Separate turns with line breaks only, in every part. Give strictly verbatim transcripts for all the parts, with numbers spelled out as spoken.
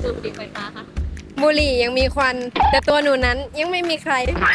สูบบุหรี่ไฟฟ้าคะ
บุหรี่ยังมีควัน แต่ตัวหนูนั้นยังไม่มีใคร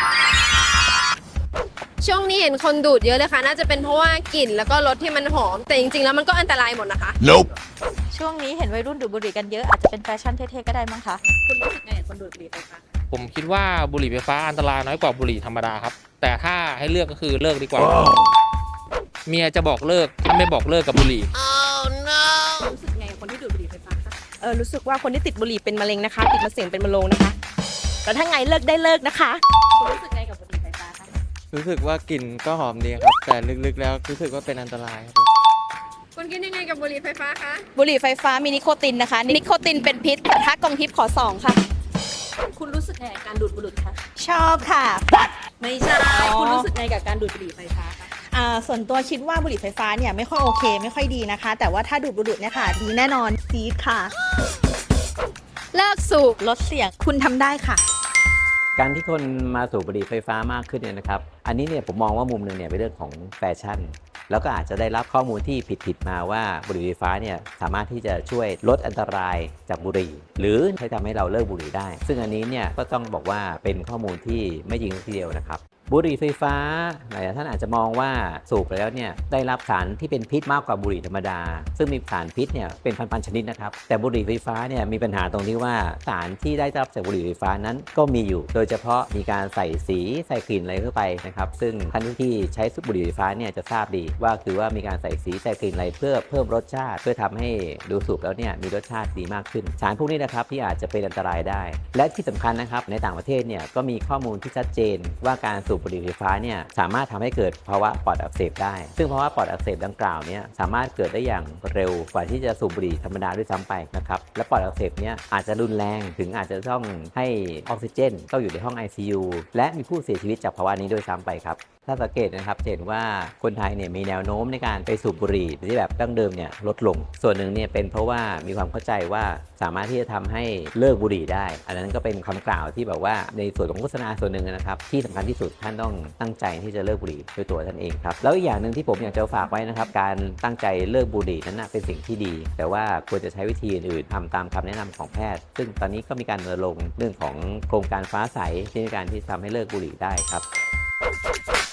ช่วงนี้เห็นคนดูดเยอะเลยค่ะ น่าจะเป็นเพราะว่ากลิ่นแล้วก็รสที่มันหอม แต่จริงๆแล้วมันก็อันตรายหมดนะคะ
Nope
ช่วงนี้เห็นวัยรุ่นดูดบุหรี่กันเยอะอาจจะเป็นแฟชั่นเท่ๆก็ได้มั้งคะ
คุณรู้สึกไงกับคนดูดบุหรี่ไฟฟ้า
ผมคิดว่าบุหรี่ไฟฟ้าอันตรายน้อยกว่าบุหรี่ธรรมดาครับแต่ถ้าให้เลือกก็คือเลิกดีกว่า เมียจะบอกเลิกถ้าไม่บอกเลิกกับบุหรี่
oh no รู้สึกไงกับคนที่ดูดบุหรี่ไฟฟ้าคะ
เออรู้สึกว่าคนที่ติดบุหรี่เป็นมะเร็งนะคะ ติดมะเส็งเป็นมะโรงนะคะแต่ถ้าไงเลิกได้เลิกนะคะ
คุณรู้สึกไงกับบุหรี่ไฟฟ้าคะ
รู้สึกว่ากลิ่นก็หอมดีครับแต่ลึกๆแล้วรู้สึกว่าเป็นอันตรายครับ
คุณคิดยังไงกับบุหรี่ไฟฟ้าคะ
บุหรี่ไฟฟ้ามีนิโคตินนะคะนิโคตินเป็นพิษแต่ถ้ากองทิพย์ขอสองค่ะ
คุณรู้สึกไงกับการดูดบุหรี่คะ
ชอบค่ะ
ไม่ใช่คุณรู้สึกไงกับการดูดบุหรี่ไฟฟ้าคะ
อ่าส่วนตัวคิดว่าบุหรี่ไฟฟ้าเนี่ยไม่ค่อยโอเคไม่ค่อยดีนะคะแต่ว่าถ้าดูดบุหรี่เนี่ยค่ะดีแน่นอนซีดค่ะ
เลิกสูบ
ลดเสี่ยง
คุณทำได้ค่ะ
การที่คนมาสูบบุหรี่ไฟฟ้ามากขึ้นเนี่ยนะครับอันนี้เนี่ยผมมองว่ามุมหนึ่งเนี่ยเป็นเรื่องของแฟชั่นแล้วก็อาจจะได้รับข้อมูลที่ผิดๆมาว่าบุหรี่ไฟฟ้าเนี่ยสามารถที่จะช่วยลดอันตรายจากบุหรี่หรือใช้ทำให้เราเลิกบุหรี่ได้ซึ่งอันนี้เนี่ยก็ต้องบอกว่าเป็นข้อมูลที่ไม่จริงทีเดียวนะครับบุหรี่ไฟฟ้าหลายท่านอาจจะมองว่าสูบไปแล้วเนี่ยได้รับสารที่เป็นพิษมากกว่าบุหรี่ธรรมดาซึ่งมีสารพิษเนี่ยเป็นพันๆชนิดนะครับแต่บุหรี่ไฟฟ้าเนี่ยมีปัญหาตรงที่ว่าสารที่ได้รับจากบุหรี่ไฟฟ้านั้นก็มีอยู่โดยเฉพาะมีการใส่สีใส่กลิ่นอะไรเข้าไปนะครับซึ่งท่านที่ใช้บุหรี่ไฟฟ้าเนี่ยจะทราบดีว่าคือว่ามีการใส่สีใส่กลิ่นอะไรเพื่อเพิ่มรสชาติเพื่อทำให้ดูสูบแล้วเนี่ยมีรสชาติดีมากขึ้นสารพวกนี้นะครับที่อาจจะเป็นอันตรายได้และที่สำคัญนะครับในต่างประเทศเนี่ยก็มีข้อมูลที่ชัดเจนว่าการสูบบุหรี่ไฟฟ้าเนี่ยสามารถทำให้เกิดภาวะปอดอักเสบได้ซึ่งภาวะปอดอักเสบดังกล่าวเนี่ยสามารถเกิดได้อย่างเร็วกว่าที่จะสูบบุหรี่ธรรมดาด้วยซ้ำไปนะครับและปอดอักเสบเนี่ยอาจจะรุนแรงถึงอาจจะต้องให้ออกซิเจนต้องอยู่ในห้อง ไอ ซี ยู และมีผู้เสียชีวิตจากภาวะนี้ด้วยซ้ำไปครับถ้าสังเกตนะครับเห็นว่าคนไทยเนี่ยมีแนวโน้มในการไปสูบบุหรี่ที่แบบดั้งเดิมเนี่ยลดลงส่วนหนึ่งเนี่ยเป็นเพราะว่ามีความเข้าใจว่าสามารถที่จะทำให้เลิกบุหรี่ได้อันนั้นก็เป็นคำกล่าวที่แบบว่าในส่วนของโฆษณาส่วนหนึ่งนะครับที่สำคัญที่สุดท่านต้องตั้งใจที่จะเลิกบุหรี่ด้วยตัวท่านเองครับแล้วอีกอย่างหนึ่งที่ผมอยากจะฝากไว้นะครับการตั้งใจเลิกบุหรี่นั้นเป็นสิ่งที่ดีแต่ว่าควรจะใช้วิธีอื่นทำตามคำแนะนำของแพทย์ซึ่งตอนนี้ก็มีการรณรงค์เรื่องของโครงการฟ้าใสในการที่ทำให้เลิกบุหรี่ได้ครับ